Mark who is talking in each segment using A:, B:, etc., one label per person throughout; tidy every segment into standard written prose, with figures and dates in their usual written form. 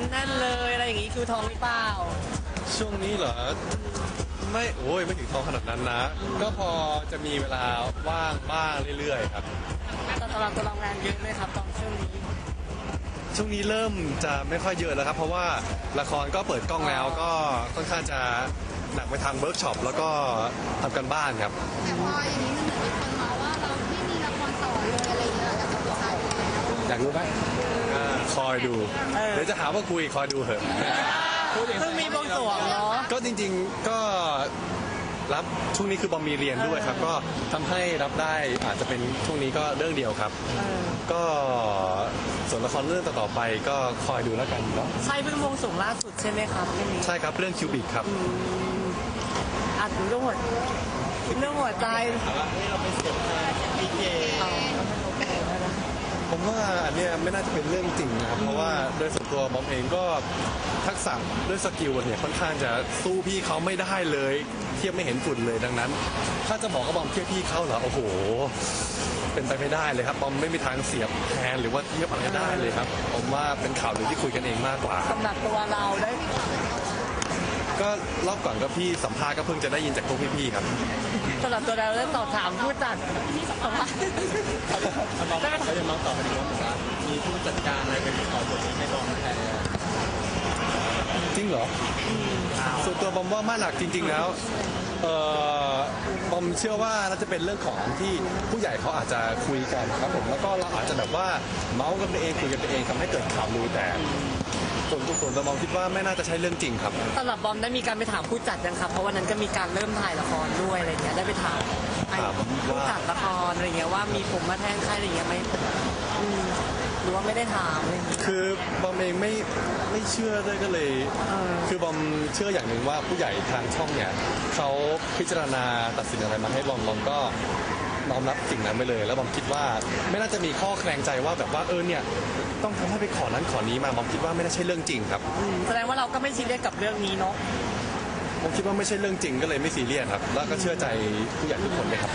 A: แน่นเลยอะไรอย่างงี้คิวทองหรือเปล่า
B: ช่วงนี้เหรอไม่ไม่ถึงทองขนาดนั้นนะ ก็พอจะมีเวลาว่างบ้างเรื่อยๆครับ
A: แต่สำหรับตัวเรางานเยอะไหมครับตอนช่วงนี้
B: ช่วงนี้เริ่มจะไม่ค่อยเยอะแล้วครับเพราะว่าละครก็เปิดกล้องแล้วก็ค่อนข้างจะหนักไปทางเวิร์กช็อปแล้วก็ทำกันบ้านครับ
C: แต่พออย่างนี้มันเหมือนมีคนมาว่าเราไม่มีละครต่อเลยอะไรอย่างเงี้ยกับตัวเขา
B: อยากรู้ไหมคอยดูเดี๋ยวจะหาว่าคุยคอยดูเถอะ
A: เพิ่งมีบวงสรวงเนาะ
B: ก็จริงๆก็รับช่วงนี้คือบอมมีเรียนด้วยครับก็ทำให้รับได้อาจจะเป็นช่วงนี้ก็เรื่องเดียวครับก็ส่วนละครเรื่องต่อไปก็คอยดูแล้วกันเนาะ
A: ใช่เพิ่งบวงสรวงล่าสุดใช่ไหมครับเรื่องนี้
B: ใช่ครับเรื่องคิวบิกครับ
A: ถึงเรื่องหัวใจ
B: เราไปเสียบพีเจผมว่าอันเนี้ยไม่น่าจะเป็นเรื่องจริงนะครับเพราะว่าโดยส่วนตัวบอมเองก็ทักษะด้วยสกิลเนี่ยค่อนข้างจะสู้พี่เขาไม่ได้เลยเทียบไม่เห็นฝุ่นเลยดังนั้นถ้าจะบอกว่าบอมเทียบพี่เขาเหรอโอ้โหเป็นไปไม่ได้เลยครับบอมไม่มีทางเสียบแทนหรือว่าเทียบอะไรได้เลยครับผมว่าเป็นข่าวหรือที่คุยกันเองมากกว่า
A: สำหรับตัวเราได้
B: ก็รอบก่อนก็พี่สัมภาษณ์ก็เพิ่งจะได้ยินจากพวกพี่ๆครับ
A: สำหรับตัวเราได้ตอบถามผู้จัดที่สัมภาษณ์
B: เขาจะมาตอบกันดีว่ามีผู้จัดการอะไรเป็นขอบทให้บอมแทนจริงเหรอส่วนตัวบอมว่ามาหนักจริงๆแล้วบอมเชื่อว่าน่าจะเป็นเรื่องของที่ผู้ใหญ่เขาอาจจะคุยกันครับผมแล้วก็เราอาจจะแบบว่าเมาส์กันไปเองคุยกันไปเองทำให้เกิดข่าวลือแต่ส่วนตัวบอมคิดว่าไม่น่าจะใช่เรื่องจริงครับ
A: สำหรับบอมได้มีการไปถามผู้จัดยังครับเพราะวันนั้นก็มีการเริ่มถ่ายละครด้วยอะไรเงี้ยได้ไปถามผู้จัดละครอะไรเงี้ยว่ามีผมมาแทนใครอะไรเงี้ยไหมหรือว่าไม่ได้ถามเลย
B: คือบอมเองไม่เชื่อด้วยก็เลยคือบอมเชื่ออย่างหนึ่งว่าผู้ใหญ่ทางช่องเนี่ยเขาพิจารณาตัดสินอะไรมาให้บอมก็น้อมรับสิ่งนั้นไปเลยแล้วบอมคิดว่าไม่น่าจะมีข้อแคลงใจว่าแบบว่าเนี่ยต้องทำให้ไปขอนั้นขอนี้มาบอมคิดว่าไม่น่าใช่เรื่องจริงครับ
A: แสดงว่าเราก็ไม่ซีเรียสกับเรื่องนี้เนาะ
B: ผมคิดว่าไม่ใช่เรื่องจริงก็เลยไม่ซีเรียสครับแล้วก็เชื่อใจผู้ใหญ่ทุกคนเลยครับ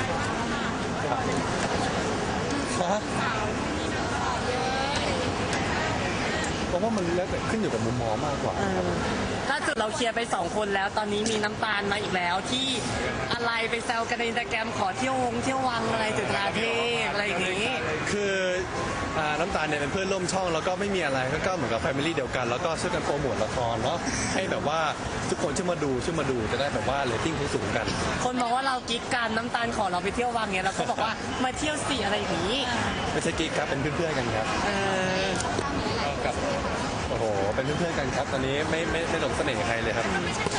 B: เพราะว่ามันแล้วแต่ขึ้นอยู่กับมุมมองมากกว่า
A: ถ้าจุดเราเคลียร์ไป2คนแล้วตอนนี้มีน้ำตาลมาอีกแล้วที่อะไรไปแซวกันในอินสตาแกรมขอเที่ยววังอะไรจุดราเทพอะไรอย่างนี้
B: คือน้ำตาลเนี่ยเป็นเพื่อนร่วมช่องแล้วก็ไม่มีอะไรก็เหมือนกับแฟมิลี่เดียวกันแล้วก็ช่วยกันโปรโมทละครเนาะให้แบบว่าทุกคนช่วยมาดูจะได้แบบว่าเรตติ้งสูงกัน
A: คนบอกว่าเรากิ๊กกันน้ำตาลขอเราไปเที่ยววังเนี่ยเราก็บอกว่ามาเที่ยวสิอะไรอย่างนี้
B: ไม่ใช่กิ๊กครับเป็นเพื่อนๆกันครับกับโอ้โหเป็นเพื่อนๆกันครับตอนนี้ไม่หลงเสน่ห์ใครเลยครับ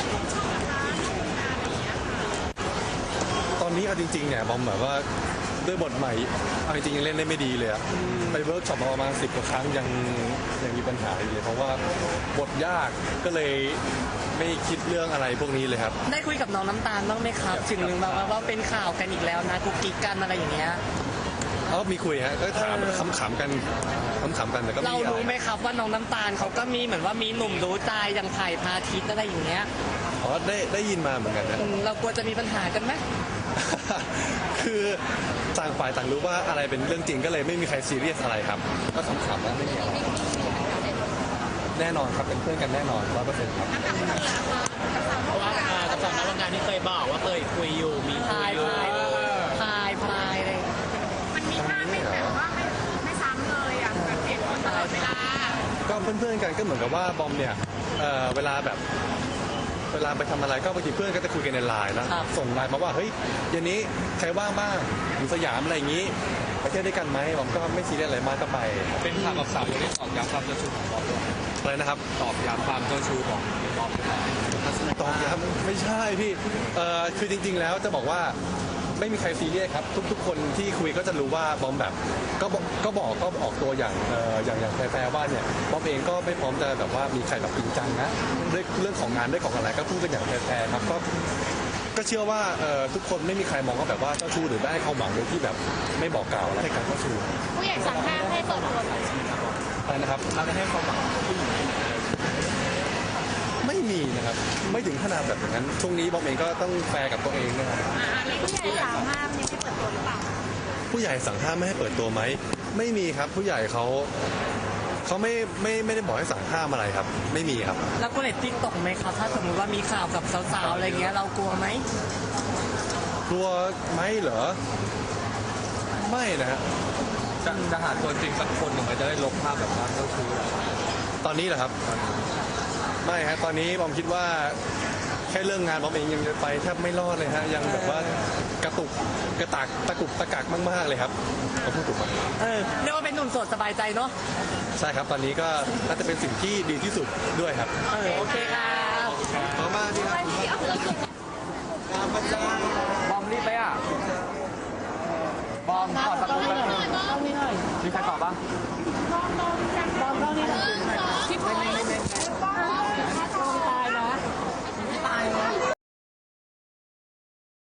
B: ตอนนี้เอาจริงๆเนี่ยบอมแบบว่าด้วยบทใหม่เอาจริงๆยังเล่นได้ไม่ดีเลยอะไปเวิร์กช็อปมาประมาณ10 กว่าครั้งยังมีปัญหาอยู่เลยเพราะว่าบทยากก็เลยไม่คิดเรื่องอะไรพวกนี้เลยครับ
A: ได้คุยกับน้องน้ำตาลบ้างไหมครับถึงหนึ่งว่าเป็นข่าวกันอีกแล้วนะกุ๊กกิ๊กกันอะไรอย่างเงี้ย
B: มีคุยฮะก็ถามขำๆกันแต่ก็
A: เรารู้ไหมครับว่าน้องน้ำตาลเขาก็มีเหมือนว่ามีหนุ่มรู้ใจอย่างไผ่พาทิตย์อะไรอย่างเงี้ย
B: ได้ยินมาเหมือนกันนะ
A: เรากลัวจะมีปัญหากันไหม
B: คือต่างฝ่ายต่างรู้ว่าอะไรเป็นเรื่องจริงก็เลยไม่มีใครซีเรียสอะไรครับก็ขำๆแล้วไม่มีอะไรแน่นอนครับเป็นเพื่อนกันแน่นอน100%ครับ
D: เพราะว่ากับสองนักงานที่เคยบอกว่าเคยคุยอยู่มีคุยอยู่
A: พายเลย
C: มันมีภาพไม่แบบว่าไม่ซ้ำเลยอ่ะแบบเปลี่ยนคนตลอดเวลา
B: ก็เพื่อนๆกันก็เหมือนกับว่าบอมเนี่ยเวลาไปทำอะไรก็บางทีเพื่อนก็จะคุยกันในไลน์นะส่งไลน์มาว่าเฮ้ยเย็นนี้ใครว่างบ้างอยู่สยามอะไรอย่างนี้ไปเที่ยวด้วยกันไหมบอมก็ไม่ซีเรียสอะไรมากก็ไป
D: เป็นข่าวกับสาวยังได้ตอกย้ำความเจ้าชู้ของบอม
B: อะไรนะครับ
D: ตอกย้ำความเจ้าชู้ของบอม
B: ตอกย้ำไม่ใช่พี่คือจริงๆแล้วจะบอกว่าไม่มีใครซีเรียสครับทุกคนที่คุยก็จะรู้ว่าบอมแบบก็ออกตัวอย่างแฟร์ว่าเนี่ยบอมเองก็ไม่พร้อมจะแบบว่ามีใครแบบจริงจังนะด้วยเรื่องของงานด้วยของอะไรก็พูดกันอย่างแฟร์ครับก็เชื่อว่าทุกคนไม่มีใครมองว่าแบบว่าเจ้าชู้หรือได้ความหวังโดยที่แบบไม่บอกกล่าวอะไรการเจ้าชู้
C: ผู้ใหญ่สั่งห้ามให้เปิดตัว
B: อะไรนะครับ
D: เราจะให้ความหวัง
B: ไม่มีนะครับไม่ถึงขนาดแบบอย่างนั้นช่วงนี้บอมเองก็ต้องแฟร์กับตัวเองนะครับ
C: ผู้ใหญ่สั่งห้ามยังไม่เปิดตัวหรือเปล่า
B: ผู้ใหญ่สั่งห้ามไม่ให้เปิดตัวไหมไม่มีครับผู้ใหญ่เขาเขาไม่ได้บอกให้สั่งห้ามอะไรครับ ไม่มีครับ
A: แล้วก็เรตติ้งตกไหมครับถ้าสมมติว่ามีข่าวกับสาวๆอะไรเงี้ยเรากลัวไหม
B: กลัวไหมเหรอ ไม่นะฮะ
E: จะหาตัวจริงสักคนหนึ่งไหมจะได้ลบภาพแบบนั้นก็คือ
B: ตอนนี้เหรอครับ ไม่ฮะตอนนี้บอมคิดว่าแค่เรื่องงานบอมเองยังไปแทบไม่รอดเลยฮะยังแบบว่ากระตุกกระตากตะกุกตะกักมากๆเลยครับผมพูดถูกไหม
A: เรียกว่าเป็นหนุ่มโสดสบายใจเนาะ
B: ใช่ครับตอนนี้ก็น่าจะเป็นสิ่งที่ดีที่สุดด้วยครับ
A: โอเคครับ
B: ขอบมากที่ครับ
E: บอมรีบไปอ่ะ บอมขอสักรูปแป๊บนึงมีใครตอบบ้าง
C: บอมนี่